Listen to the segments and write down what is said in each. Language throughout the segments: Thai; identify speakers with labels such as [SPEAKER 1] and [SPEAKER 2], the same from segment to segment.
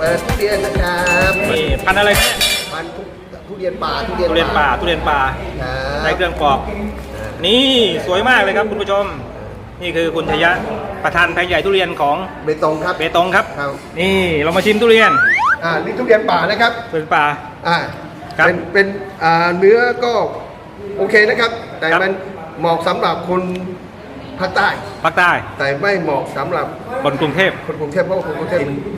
[SPEAKER 1] ปิดทุเรียนนะครับ
[SPEAKER 2] นี่พันอะไรเนี่ย
[SPEAKER 1] พันทุเรียนป่าทุเรียน
[SPEAKER 2] ป่าในเครื่องปอกนี่สวยมากเลยครับคุณผู้ชมนี่คือคุณชยะประธานแผงใหญ่ทุเรียนของ
[SPEAKER 1] เบตงครับ
[SPEAKER 2] นี่เรามาชิมทุเรียน
[SPEAKER 1] นี่ทุเรียนป่านะครับ
[SPEAKER 2] เป็นป่า
[SPEAKER 1] เป็นเนื้อก็โอเคนะครับแต่มันเหมาะสำหรับคนภาคใต้แต่ไม่เหมาะสำหรับ
[SPEAKER 2] คนกรุงเทพเพราะ
[SPEAKER 1] คนกรุงเทพ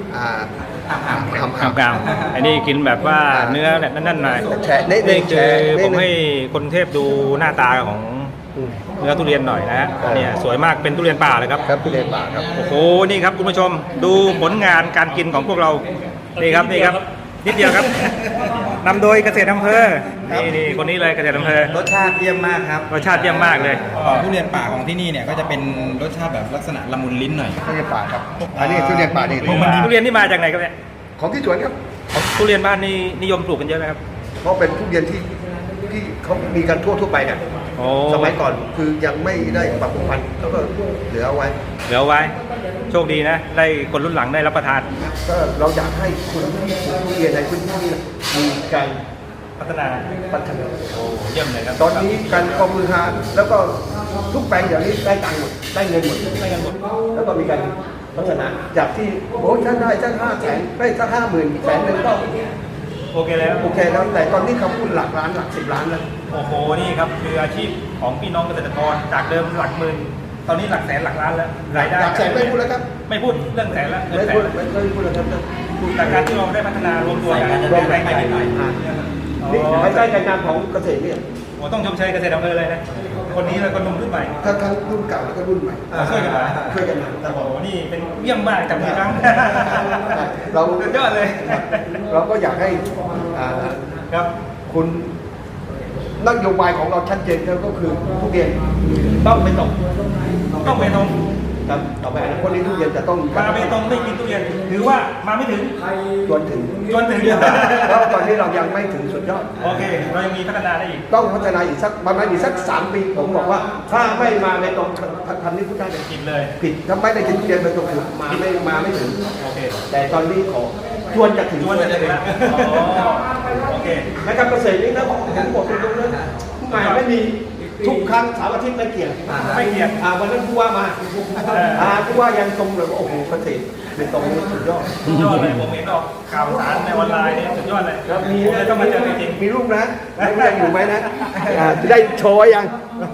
[SPEAKER 2] กลางอันนี้กินแบบว่าเนื้อเนี่ยนั่นๆหน่อยนี่คือผมให้คนกรุงเทพดูหน้าตาของเนื้อทุเรียนหน่อยนะฮะเนี่ยสวยมากเป็นทุเรียนป่าเลยครับ
[SPEAKER 1] ทุเรียนป่าครับ
[SPEAKER 2] โอ้โหนี่ครับคุณผู้ชมดูผลงานการกินของพวกเรานี่ครับนิดเดียวครับนำโดยเกษตรอำเภอนี่คนนี้เลยเกษตรอำเภอ
[SPEAKER 3] รสชาติเยี่ยมมากครับ
[SPEAKER 2] รสชาติเยี่ยมมากเลย
[SPEAKER 3] ทุเรียนป่าของที่นี่เนี่ยก็จะเป็นรสชาติแบบลักษณะละมุนลิ้นหน่อย
[SPEAKER 1] ทุเรียนป่าครับอันนี้ทุเรียนป่านี่
[SPEAKER 2] ทุเรียนที่มาจากไหนครับเนี่ย
[SPEAKER 1] ของที่สวนครับ
[SPEAKER 2] ทุเรียนบ้านนี่นิยมปลูกกันเยอะไหมครับ
[SPEAKER 1] เพราะเป็นทุเรียนที่เขามีกันทั่วไปเนี่ยสมัยก่อนคือยังไม่ได้ปรับปรุงพันธุ์ก็เหลือเอาไว้
[SPEAKER 2] โชคดีนะได้คนรุ่นหลังได้รับประทาน
[SPEAKER 1] ก็เราอยากให้คนที่ปลูกทุเรียนในพื้นที่มีการ
[SPEAKER 2] พัฒนาโอ้เยี่ยมเลยครับ
[SPEAKER 1] ตอนนี้การกองมือหาแล้วก็ทุกแปลงอย่างนี้ได้ตังค์หมดได้เงินหมดแล้วก็มีการพัฒนาจากที่โอ้ฉันได้สัก500,000ได้สัก50,000แสนนึงก็
[SPEAKER 2] โอเคแล้ว
[SPEAKER 1] แต่ตอนนี้เขาพูดหลักล้านหลัก10 ล้านแล้ว
[SPEAKER 2] โอ้โหนี่ครับคืออาชีพของพี่น้องเกษตรกรจากเดิมหลักหมื่นตอนนี้หลักแสนหลักล้านแล้วรายได้
[SPEAKER 1] หลักแสนไม่พูดแล้วครับ
[SPEAKER 2] ไม่พูดเรื่องแสนแล้ว
[SPEAKER 1] ไม่พูดแล้วครับ
[SPEAKER 2] จากการที่เราได้พัฒนารวมตัวกัน
[SPEAKER 3] รวมแรงไปนิดหน่อย
[SPEAKER 1] นี่ภายใต้การงานของเกษตรเนี่ย
[SPEAKER 2] โอ้ต้องชมเชยเกษตรอำเภอเลยนะคนนี้แล้วก็นุ่มรุ่นใหม่
[SPEAKER 1] ทั้งรุ่นเก่าแล้วก็รุ่นใหม่
[SPEAKER 2] ช่วยกัน
[SPEAKER 1] มาแต่
[SPEAKER 2] โอ้นี่เป็นเยี่ยมมากจับมือครั้ง
[SPEAKER 1] เรา
[SPEAKER 2] ยอดเลย
[SPEAKER 1] เราก็อยากให้
[SPEAKER 2] ครับ
[SPEAKER 1] คุณนโยบายของเราชัดเจนก็คือทุเรียนต้องไม่ตกครับต่อไปคนนี้ทุเรียนจะต้อง
[SPEAKER 2] มาไม่ตรงไม่กินทุเรียนถือว่ามาไม่ถึง
[SPEAKER 1] จนถึง
[SPEAKER 2] แล้ว
[SPEAKER 1] ตอนนี้เรายังไม่ถึงสุดยอด
[SPEAKER 2] โอเคเรายังมีพัฒนาได้อีก
[SPEAKER 1] ต้องพัฒนาอีกสักประมาณ3 ปีผมบอกว่าถ้าไม่มาไม่ตรงทำนี้พูดได้เลย
[SPEAKER 2] ผิดเลย
[SPEAKER 1] ถ้าไม่ได้กินทุเรียนไม่ตรงคือมาไม่ถึง
[SPEAKER 2] โอเค
[SPEAKER 1] แต่ตอนนี้ขอชวนจะถึง
[SPEAKER 2] แล้วโอเค
[SPEAKER 1] นะครับเกษตรนี่นะผมบอกตรงๆนะไม่มีทุกครั้งเสาร์อาทิตย์ไม่เกี่ยงวันนั้นผู้ว่ามาผู้ว่ายังตรงเลยว่าโอ้โหเกษตรเป็นตรงนี้สุดยอด
[SPEAKER 2] เลยผมเห็นออกข่าวสารในออนไลน์เนี่ยสุดยอดเลย
[SPEAKER 1] มีต้องมาเจอจริงมีรูปนะยังอยู่ไหมนะจะได้โชว์ยัง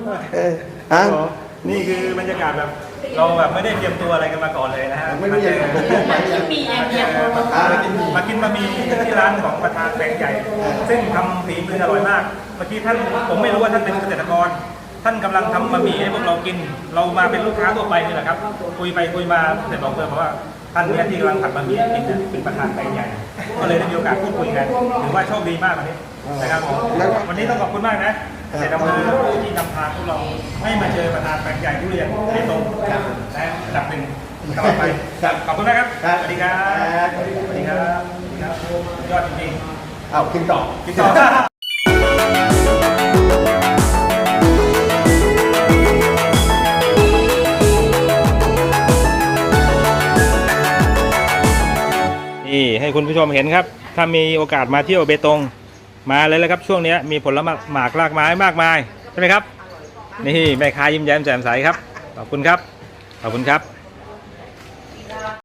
[SPEAKER 2] นี่คือบรรยากาศแบบเราแบบไม่ได้เตรียมตัวอะไรกันมาก่อนเลยนะฮะ
[SPEAKER 1] ไม่รู้ยัง
[SPEAKER 2] มากินบะหมี่ที่ร้านของประธานแปลงใหญ่ซึ่งทำฝีมืออร่อยมากเมื่อกี้ท่านผมไม่รู้ว่าท่านเป็นเกษตรกรท่านกำลังทำบะหมี่ให้พวกเรากินเรามาเป็นลูกค้าทั่วไปนี่แหละครับคุยไปคุยมาเสร็จบอกเพื่อนเพราะว่าท่านเนี่ยที่กำลังผัดบะหมี่กินเป็นประธานแปลงใหญ่ก็เลยได้มีโอกาสพูดคุยกันถือว่าโชคดีมากวันนี้นะครับวันนี้ต้องขอบคุณมากนะเกษตรอำเภอผู้ที่นำทางพวกเราให้มาเจอประธานแปลงใหญ่ทุเรียนในตรงและระดับหนึ่งตลอดไปขอบคุณนะครับสวัสดีครับยอดจริง
[SPEAKER 1] ๆกินต่อ
[SPEAKER 2] นี่ให้คุณผู้ชมเห็นครับถ้ามีโอกาสมาเที่ยวเบตงมาเลยแล้วครับช่วงนี้มีผลไม้หมากรากไม้มากมายใช่ไหมครับนี่แม่ค้ายิ้มแย้มแจ่มใสครับขอบคุณครับ